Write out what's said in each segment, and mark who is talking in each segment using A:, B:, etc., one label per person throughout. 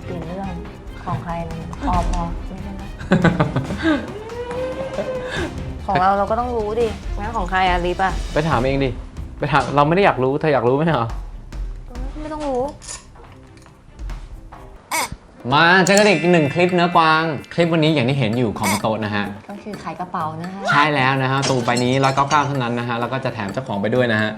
A: ลี่ยนเรื่องของใครพอไม่ใช่ไหม ของเราก็ต้องรู้ดิงั้นของใครอะลิปอะ
B: ไปถามเองดิ ไปถามเราไม่ได้อยากรู้เธออยากรู้ไหมเหรอ
A: ไม่ต้องรู้
B: มาเจอกันอีกหนึ่งคลิปเนื้อกวาง คลิปวันนี้อย่างที่เห็นอยู่ของโต๊ะนะฮะ
A: ก็คือขายกระเป๋านะฮะ
B: ใช่แล้วนะฮะตูใบนี้199เท่านั้นนะฮะแล้วก็จะแถมเจ้าของไปด้วยนะฮะ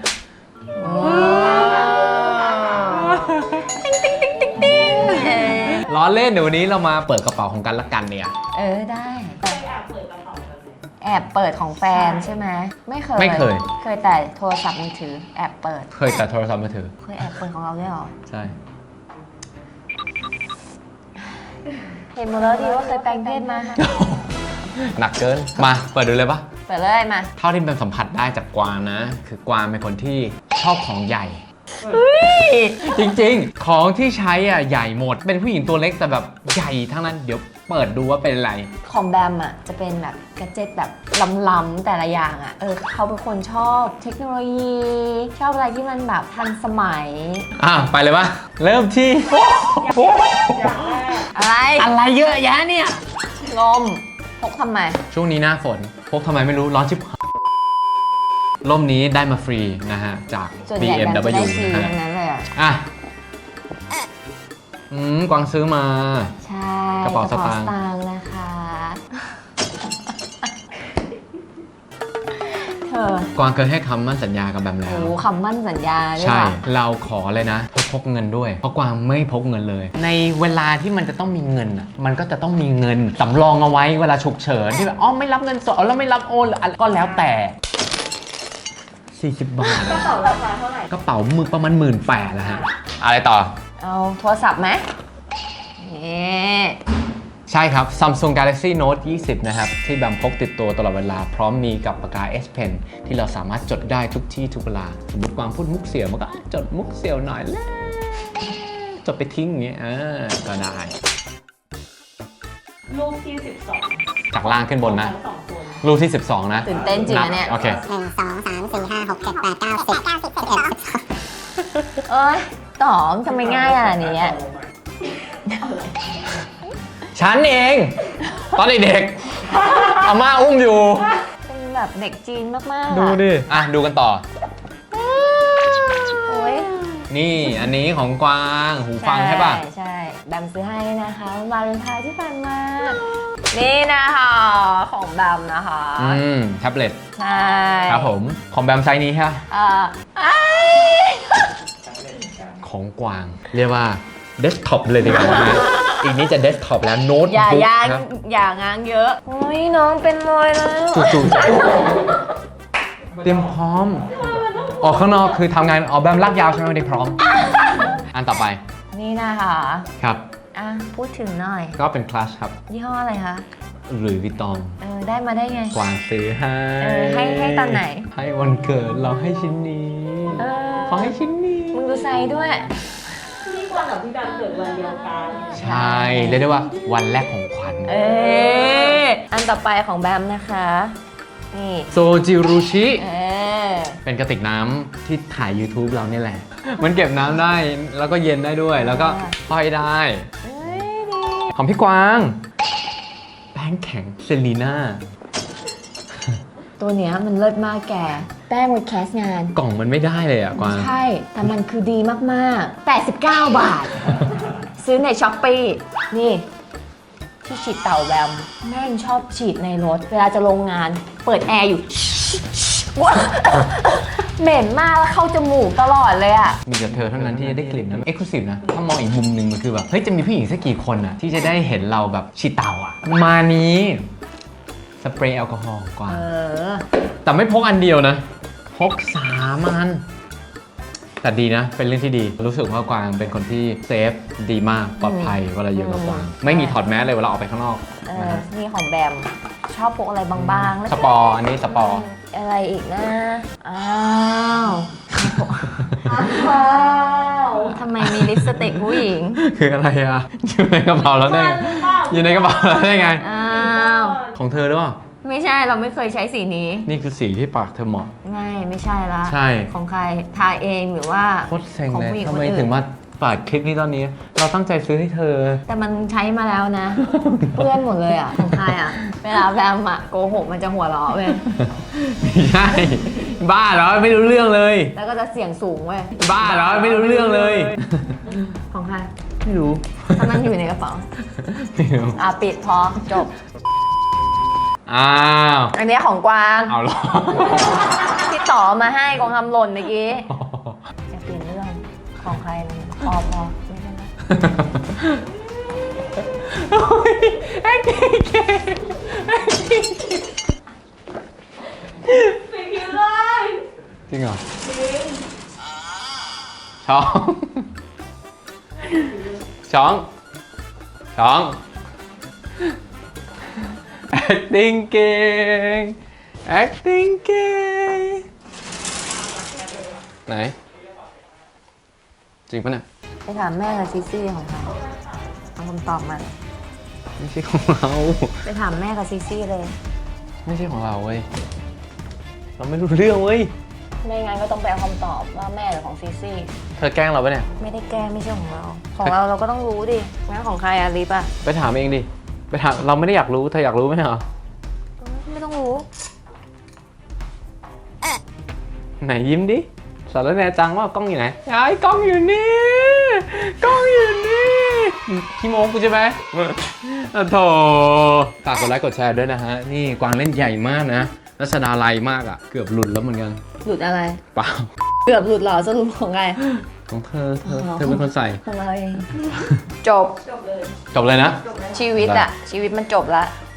B: ล้อเล่นเดี๋ยววันนี้เรามาเปิดกระเป๋าของกันละกันเนี่ย
A: ได้แอบเปิดของแฟนใช่ไหมไม่เคย
B: ไม่เคย
A: เคยแต่โทรศัพท์มือถือแอบเปิด
B: เคยแต่โทรศัพท์มือถือ
A: เคยแอบเปิดของเราด้วยเหรอ
B: ใช่
A: เห็นหมดแล้วดีว่าเคยแปลงเพศมา
B: หนักเกิน มาเปิดดูเลยปะ
A: เปิดเลยมา
B: เท่าที่เป็นสัมผัสได้จากกวางนะ คือกวางเป็นคนที่ชอบของใหญ่ จริงๆ ของที่ใช้อ่ะใหญ่หมด เป็นผู้หญิงตัวเล็กแต่แบบใหญ่ทั้งนั้น เดี๋ยวเปิดดูว่าเป็นอะไร
A: ของแบมอ่ะจะเป็นแบบแกดเจ็ตแบบล้ำๆแต่ละอย่างอ่ะเขาเป็นคนชอบเทคโนโลยี ชอบอะไรที่มันแบบทันสมัย
B: ไปเลยปะเริ่มที่
A: อะไร
B: เยอะแยะเนี่ย
A: ลมพกทำไม
B: ช่วงนี้หน้าฝนพกทำไมไม่รู้ร้อนชิบหายร่มนี้ได้มาฟรีนะฮะ จาก
A: ส่วนใหญ่แบมจะ
B: BMW
A: ได้ฟรี
B: นะ
A: ทั้ง
B: ฮะ
A: นั้นเลยอ่ะ
B: กวางซื้อมา
A: ใช่
B: กระเป๋าสตางค์
A: นะคะ เธอก
B: วางเคยให้คำมั่นสัญญากับแบมแล้ว
A: โอ้คำมั่นสัญญาด้วย
B: ใช่
A: ว่ะ
B: เราขอเลยนะพกเงินด้วย เพราะกวางไม่พกเงินเลย ในเวลาที่มันจะต้องมีเงินอ่ะ มันก็จะต้องมีเงินสำรองเอาไว้เวลาฉุกเฉินที่แบบไม่รับเงินสดแล้วไม่รับโอนหรืออะไรก็แล้วแต่40 บาท
A: กระเป๋าราคาเท่าไหร่
B: กระเป๋ามือประมาณ18,000แล้วฮะอะไรต่อ
A: เอาโทรศัพท์ไหมนี่
B: ใช่ครับ Samsung Galaxy Note 20 นะครับ ที่แบมพกติดตัวตลอดเวลา พร้อมมีกับปากกา S Pen ที่เราสามารถจดได้ทุกที่ทุกเวลา สมมติกวางพูดมุกเสียวมันก็จดมุกเสียวหน่อยแล้วจดไปทิ้งอย่างเงี้ยก็ได้
C: รูปที่ 12
B: จากล่างขึ้นบนนะ
C: ทั้งสองคน
B: รูปที่ 12 นะ
A: ตื่นเต้นจริงนะเนี่ย
B: โอเค
A: เอ้ยต๋องทำไมง่ายอ่ะนี้
B: ฉันเอง ตอนเด็กๆอาม่าอุ้มอยู่
A: เป็นแบบเด็กจีนมากๆ
B: ดูดิ ดูกันต่อ
A: โอ้ย
B: นี่อันนี้ของกวางหูฟังใช่ป่ะ
A: ใช่แบมซื้อให้นะคะวาเลนไทน์ที่ผ่านมา นี่นะคะของแบมนะคะ
B: แท็บเล็ต
A: ใช่
B: ครับผม ของแบมไซส์นี้ใช่ปะ
A: อ้าย
B: ของกวาง เรียกว่าเดสก์ท็อปเลยดีกว่านะ อีกนี้จะเดสก์ท็อปแล้วโน้ต
A: อย่า
B: บุ๊ก
A: ย่าง
B: ครับ
A: อย่างางเยอะโอ้ยน้องเป็นรอยแล้ว
B: จู่ๆเตรียมพร้อม ออกข้างนอกคือทำงานออกแบบลากยาวใช่ไหมไม่ได้พร้อม อันต่อไป
A: นี่นะคะ
B: ครับ
A: พูดถึงหน่อย
B: ก็เป็นคลาสครับ
A: ยี่ห้ออะไรคะ
B: หรือวิตอง
A: ได้มาได้ไง
B: กวางซื้อให้
A: ให้ตอนไหน
B: ให้วันเกิดเราให้ชิ้นนี้เขาให้ชิ้นนี้
A: มึงดูไซส์ด้วย
C: พี่กวางกับพี่แบมเกิดวันเดียวกัน
B: ใช่เรียกได้ว่าวันแรกของขวัญ
A: อันต่อไปของแบมนะคะ นี่
B: โซจิรุชิ
A: อ
B: เป็นกระติกน้ำที่ถ่าย YouTube เราเนี่ยแหละ มันเก็บน้ำได้แล้วก็เย็นได้ด้วย แล้วก็ห้อยได้
A: เอ้ยดี
B: ของพี่กวาง แป้งแข็งเซรีน่า
A: ตัวเนี้ยมันเลิศมากแก แป้งไว้แคสงาน
B: กล่องมันไม่ได้เลยอ่ะกวาง
A: ใช่ แต่มันคือดีมากๆ 89 บาท ซื้อในช้อปปี้นี่ ที่ฉีดเต่าแบมแม่งชอบฉีดในรถ เวลาจะลงงาน เปิดแอร์อยู่ เหม็นมากแล้วเข้าจมูกตลอดเลยอ่ะ
B: มีแต่เธอเท่านั้นที่จะได้กลิ่นนั้นเอ็กซ์คลูซีฟนะ ถ้ามองอีกมุมหนึ่งมันคือแบบ เฮ้ย จะมีผู้หญิงสักกี่คนอ่ะ ที่จะได้เห็นเราแบบฉีดเต่าอ่ะ มานี้ สเปรย์แอลกอฮอล์กวาง แต่ไม่พกอันเดียวนะ พก3 อัน แต่ดีนะ เป็นเรื่องที่ดี รู้สึกว่ากวางเป็นคนที่เซฟดีมาก ปลอดภัยเวลาอยู่กับกวาง ไม่มีถอดแมสเลยเวลาออกไปข้างนอกนะฮะ
A: นี่ของแบม ชอบพกอะไรบางๆแล้ว
B: สปอร์อันนี้สปอร์
A: อะไรอีกนะ อ้าวอ้าวทำไมมีลิปสติกผู้หญิง
B: คืออะไรอ่ะ อยู่ในกระเป๋าแล้วได้ไงอยู่ในกระเป๋าแล้วได้ไง
A: อ้าว
B: ของเธอหรือเปล่า
A: ไม่ใช่เราไม่เคยใช้สีนี้
B: นี่คือสีที่ปากเธอเหมาะ
A: ไม่ใช่ละ
B: ใช่
A: ของใครทาเองหรือว่า
B: โคตรเซ็ง
A: ของ
B: เลย
A: ผู้หญิง
B: ทำ
A: คน
B: ไม
A: อื่น
B: ถึงมาปเปิดคลิปนี้ตอนนี้ เราตั้งใจซื้อให้เธอ
A: แต่มันใช้มาแล้วนะ เพื่อนหมดเลยอ่ะของใครอ่ะ เวลาแบมอ่ะโกหกมันจะหัวเราะเว้ย
B: ไม่ใช่ บ้าเหรอไม่รู้เรื่องเลย
A: แล้วก็จะเสียงสูงเว้ย
B: บ้าเหรอไม่รู้เรื่องเลย
A: ของใคร
B: ไม่รู้
A: ถ้ามันอยู่ในกระเป๋า
B: ไม่รู้
A: ปิดพอจบ
B: อ้าว
A: อันเนี้ยของกวาง
B: เอาหรอ
A: ที่ต่อมาให้กองทำหล่นเมื่อกี้จะเปลี่ยนเรื่องของใครนะพอไม่เป็นไร
B: โอ้ยไอ้เก๋เก๋ไอ้เก๋เก๋
C: ไปคิวเลย
B: จริงเหรอ
C: จริง
B: ช้องช้องช้อง acting เก่ง acting เก่งไหน จริงปะเนี่ย
A: ไปถามแม่กับซิซี่ของใครเอาคำตอบมา
B: ไม่ใช่ของเรา
A: ไปถามแม่กับซิซี่เลย
B: ไม่ใช่ของเราเว้ย เราไม่รู้เรื่องเว้ย
A: ไม่งั้นก็ต้องไปเอาคำตอบว่าแม่หรือของซิซี่
B: เธอแกล้งเราปะเนี่ย
A: ไม่ได้แก้ไม่ใช่ของเรา ของเราเราก็ต้องรู้ดิงั้นของใครอะลิปอะ
B: ไปถามเองดิ ไปถามเราไม่ได้อยากรู้ เธออยากรู้ไหมเหรอ
A: ไม่ต้องรู้
B: ไหนยิ้มดิ สารแหนจังว่ากล้องอยู่ไหนไอ้กล้องอยู่นี่ กล้องอยู่นี่ขี้โม้กูใช่ไหมอ่ะโถฝากกดไลค์กดแชร์ด้วยนะฮะ นี่กวางเล่นใหญ่มากนะรัชดาลัยมากอ่ะ เกือบหลุดแล้วเหมือนกัน
A: หลุดอะไร
B: เปล่า
A: เกือบหลุดเหรอสรุปของใคร
B: ของเธอเป็นคนใส่
A: ของเราเองจบ
C: จบเลย
B: จบเลยนะ
A: ชีวิตอะชีวิตมันจบละ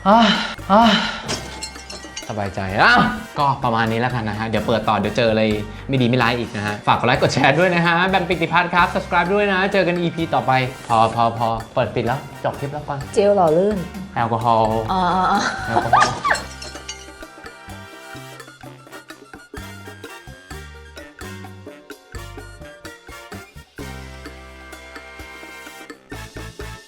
B: สบายใจอ้าวก็ประมาณนี้แล้วกันนะฮะ เดี๋ยวเปิดต่อเดี๋ยวเจออะไรไม่ดีไม่ร้ายอีกนะฮะ ฝากกดไลค์กดแชร์ด้วยนะฮะ แบมปิติพัฒน์ครับ subscribe ด้วยนะ เจอกัน EP ต่อไป พอเปิดปิดแล้ว จบคลิปแล้วก่อน
A: เจลหล่อลื่น
B: แอลกอฮอล์
A: อ๋อ
B: แอลกอฮอล์